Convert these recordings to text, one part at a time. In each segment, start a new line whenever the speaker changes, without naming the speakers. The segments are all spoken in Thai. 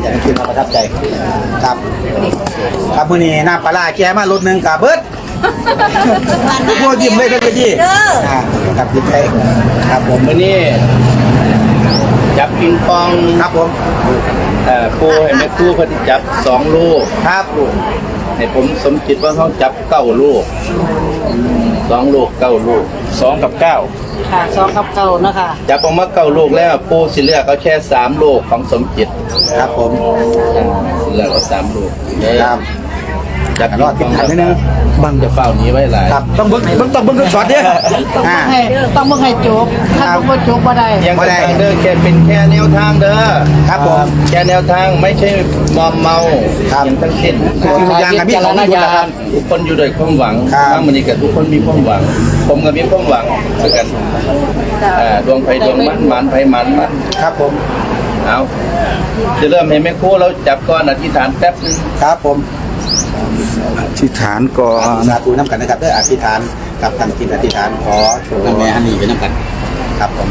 จะได้กินมาประทับใจครับครับมื้อนี้น้ำปลาแกมารถนึงกับเบิดทุกคนยิ้มเลยครับพี่ครับยิ้มไปครับผม
วันนี้จับปิงปอง
ครับผม
ปูให้แม่ครูเพิ่นจับ2 ลูก
ครับ
ให้ผมสมคิดว่าเขาจับ9 ลูก2 ลูก9 ลูก2 กับ 9
ค่ะ2 กับ 9นะคะ
จับออกมา9 ลูกแล้วปูสิเลือกเอาแค่3 ลูกของสมจิต
ครับผม
สิเลือกเอา3 ลูก
ครับ
จับ
รอดติดขันนิดนึง
บังจะเฝ้านี้ไว้หลาย
ครับต้องเบิ้งต้องเบิ้งช็อตเนี่ย
ต้องเบิ่งให้จบถ้าต้องบ่จบบ่ได้
ยังทางเด้อแค่เป็นแค่แนวทางเด้อ
ครับผม
แค่แนวทางไม่ใช่มอมเมา
ครับ
อย่างทั้งสิ้น
คืออย่างกับพี่ของพี่นะครับ
ทุกคนอยู่ด้วยความหวัง
ครับ
ทั้งมันนี้กับทุกคนมีความหวัง ผมก็มีความหวังเหมือนกันดวงไฟดวงมันไฟมัน
ครับผม
เอาจะเริ่มให้แม่ครูเราจับก่อนอธิษฐานแป๊บนึง
ครับผม
อธิษฐานก่อน
สาธุน้ำกันนะครับเด้ออธิษฐานกับทำกินอธิษฐานขอโชคน้ำแม่ฮันนี่ไปน้ำกันครับผม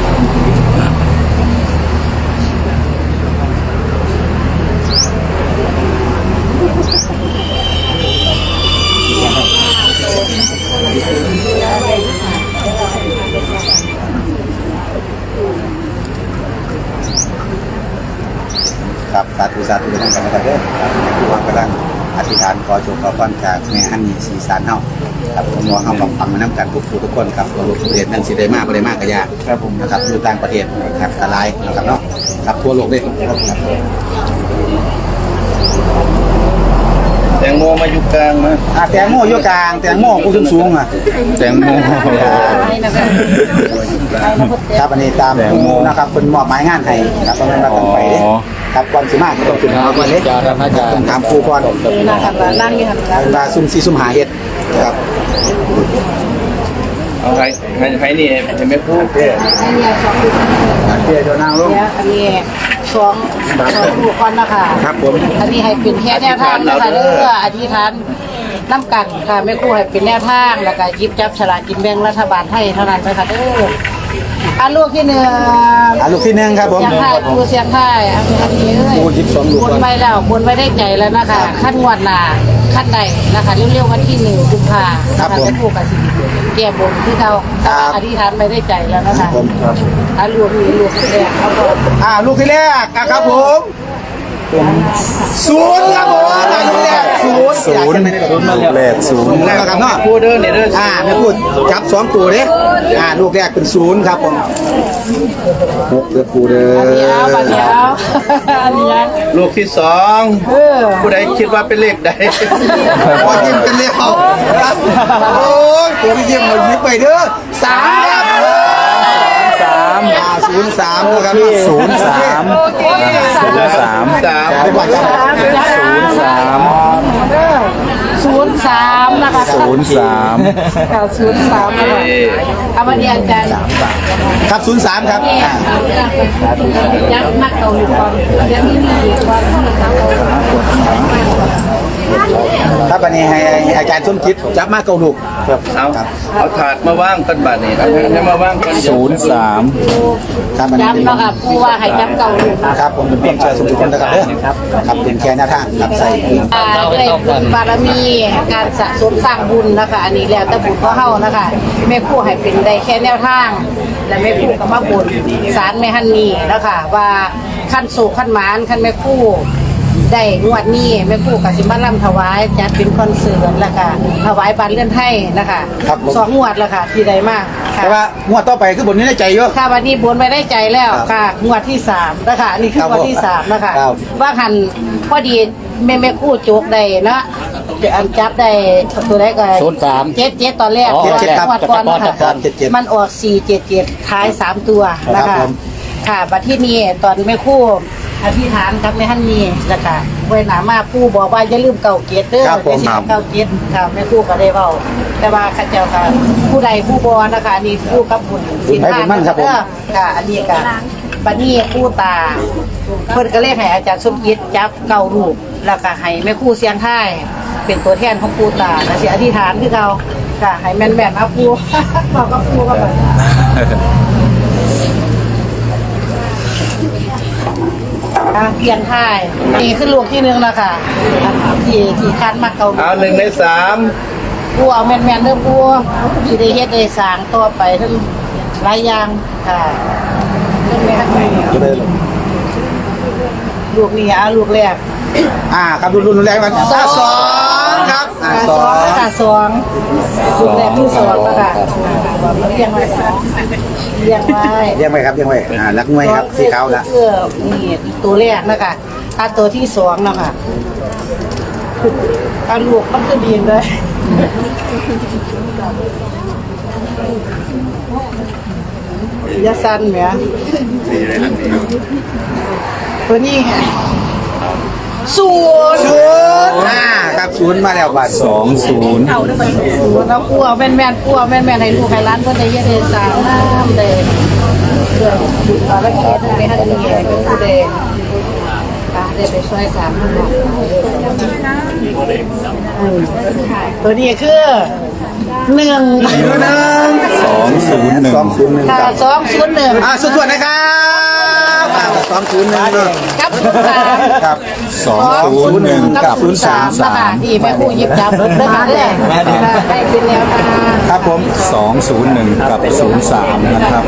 ครับสาธุไปน้ำกันนะครับเด้อผู้วางกำลังอธิษฐานขอโชคขอพรจากแม่ฮันนี่สีสานเฮาครับผมมองเฮาฟังมาน้ำกันทุกคนครับตัวลูกเรียนนั่นสิได้มากบ่ได้มากก็ยากครับผมนะครับอยู่ต่างประเทศครับตะไลนะครับเนาะครับทั่วโลกเลยครับ
แตงโมมาอยู่กลางมา
แตงโมอยู่กลางแตงโมกูสูงอ่ะ
แตงโม
ครับอันนี้ตามนะครับเป็นมอบหมายงานให้ครับเพราะนั้นเราต้องไปครับก่อนสิมาต้องขึ้นมาก่อนเลยต้องถามครูก่อน
นี่นะคะนั่งอยู่หั่นล่ะ
เวลาซุ่มซีซุ่มหาเฮ็ดครับ
เอาให้นี่ให้แม่ครู
เดี๋ยวนั่งลง
อันนี้2ลูกก่อนนะคะ
ครับผม
อันนี้ให้เป็นแค่แนวทางนะคะเด้ออธิษฐานน้ำกันค่ะแม่ครูให้เป็นแนวทางแล้วก็หยิบจับฉลากกินแบ่งรัฐบาลไทยเท่านั้นนะคะเด้อลูกที่1
ลูกที่หนึ่งครับผม
เสียงไทยครูเสียงไทยอันนี้เอ้ย
ครู12ลูก
บนไปแล้วบนไว้ได้ใจแล้วนะคะขั้นงวดหน้าขั้นใดนะคะเร็วๆวันที่1 กุมภาพันธ์นะคะแม่ครูกับสิแก้บนที่เขาอธิษฐานไว้ได้ใจแล้วนะคะ
ผมครับ
ลูกนี้ลูกแรกเขาก็
ลูกที่แรกครับผมศูนย์ครับผมลูกแรกศูนย์
ศูนย์ลูกแรกศูนย์
แล้วครับเนาะ
ครูเด้อนี่เด้อ
ไม่พูดจับ2ตัวเด้ลูกแรกเป็น0ครับผม6เด้อครูเด้อ
อันนี้เอาบัดนี้เอาอันนี้ยัง
ลูกที่2ผู้ใดคิดว่าเป็นเลขใด
พอยิ้มกันเร็วครับโอ้ยตัวพี่ยิ้มมันยิ้มไปเด้อ3ครับ03นะครับ
03
โอเค
ไปก่อนครับ
03นะคะ
03
ค่ะ03นะคะเอามาเรียนกัน
ครับ03ครับ
ยักษ์นักเกาหลีก่อนยักษ์นี่มีก่อนที่เขา
ครับอันนี้ให้อาจารย์สมคิดจับมาเกาลูกครับ
เอาถาดมาว่างกันบัดนี้เอาให้มาว่างกัน
03
ครับอันนี้
ย้ำเนาะค่ะผู้ว่าให้ย้ำเกาหลี
ครับผมเป็นเพียงเชิญสมทุกคนนะครับเด้อครับเป็นแค่หน้าทางครับใส่
ด้วยบุญบารมีการสะสมสร้างบุญนะคะอันนี้แล้วแต่บุญเขาเฮานะคะแม่ครูให้เป็นได้แค่แนวทาง และแม่ครูก็มาบุญศาลแม่ฮันนี่นะคะว่าขั้นโศกขั้นหมานขั้นแม่ครูได้งวดนี้แม่ครูก็สิมาล่ำถวายจัดเป็นคอนเสิร์ตแล้วก็ถวายบัตรเลื่อนไทยนะคะ2 งวดแล้วค่ะที่ใดมากค่ะ
แต่ว่างวดต่อไปคือบทนี้ในใจเยอะ
ค่ะวันนี้บนไปได้ใจแล้วค่ะงวดที่3นะคะนี่คืองวดที่3นะคะ
ครับ
ว่าหันพอดีแม่คู่โจกได้เนาะอันจับได้ตัวแรกก็7ตอนแรก
77ครับ
งวดก่อนนะ
ครั
คะ
บ77
มันออก477ท้าย3ตัวนะ
ครั
คะ
บผม
ค่ะบัดที่นี่ตอนแม่คู่อธิษฐานกับแม่ฮันนี่แล้วก็ไว้หนามาปู่บอกว่าอย่าลืมเก่าเกียรติเด้อ
ครับผม
อย่าสิเก่าเกียรติค่ะแม่คู่ก็ได้เว้าแต่ว่าข้าเจ้าค่ะผู้ใดผู้บ่นะคะอันนี้ผู้กับบุญ
บุญให้บุญมั่นครับผม
ค่ะอันนี้ก็บัดนี้ปู่ตาเพิ่นก็เลยให้อาจารย์สมคิดจับเก่ารูปแล้วก็ให้แม่ครูเสียงท้ายเป็นตัวแทนของปู่ตาแล้วสิอธิษฐานคือเก่าค่ะให้แม่นๆเอาปู่ บอกกับปู่ก็แบบเพียงท้ายนี่คือลูกที่หนึ่งแล้วค่ะที่คันมาเกา
เอา1 ใน
กูเอาแม่นๆเด้อกูสิได้เฮ็ดได้สร้างต่อไปทั้งหลายอย่างค่ะเรื่องแม่ฮันนี่ลูกนี่ลูกแรก
ครับรุนแรงกันสองครับสอง
ค่ะสองลูกแรกที่สองแล้วค่ะเลี้ยงไว้เลี้ยงไว้
เรียกไว้ครับเรียกไว้รักมวยครับสีขาวละ
นี่ตัวแรกนะคะตัวที่สองนะคะลูกมันคือดีเลยยาสั้นไหมตัวนี้ศูนย์
ครับศูนย์มาแล้วบัตร
20
ศูนย์แล้วกลัวแม่นๆกลัวแม่นๆให้ลูกให้ร้านเพื่อนได้เยอะเลยสาวน้ำเลยเรื่องแล้วก็ไปให้ดีเป็นผู้เด่นได้ไปช่วยสามคนตัวนี้คือ1
201
201
ค่ะ
ครับ
201
สุดๆนะครับ201
กับ3
ครับ
201กับ
03นะคะที่แม่ครูหยิบจับรถด้วยกันเลยได้เป็นแล้วค่ะ
ครับผม
201กับ03นะครับ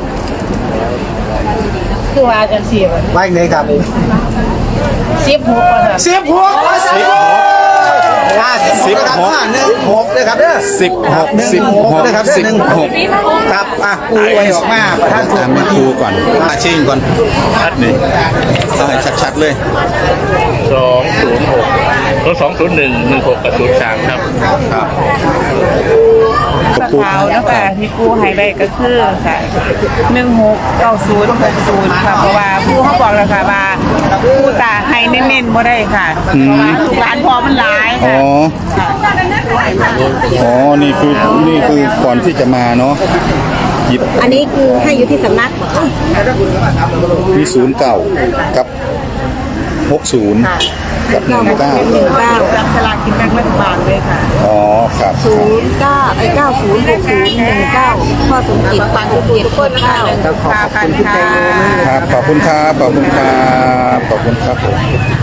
คือว่าจังซี่
ไว้ไหนครับ
16ว่าซั่น
16นะครับเด้อ16นะครับ16ครับปูไว้ออกมาประธาน
ถามแม่ครูก่อนชิงก่อนชัดนี่เอาให้ชัดๆเลย
206 201 16 กับ 03 ครับ
ครับ
ขาวแล้วค่ะที่กู้ให้ได้ก็คือค่ะ169060ค่ะเพราะว่าผู้เขาบอกแล้วค่ะว่าผู้ตาให้เน้นๆบ่ได้ค่ะเพราะว่าลูกหลานพอมันหลาย
อ๋อ
ค่ะ
อ๋อ นี่คือก่อนที่จะมาเนาะหยิบ
อันนี้คือให้อยู่ที่สำนัก
มี09กับ60กับ19
รับสลากกินแบ่งรัฐบาลเลยค่ะ
อ๋อครับ
906019พ่อสมจิตปันเกียรติโคตรข้าว
ขอบคุณค่ะ
ครับ ขอบคุณครับ ขอบคุณครับ ขอบคุณครับผม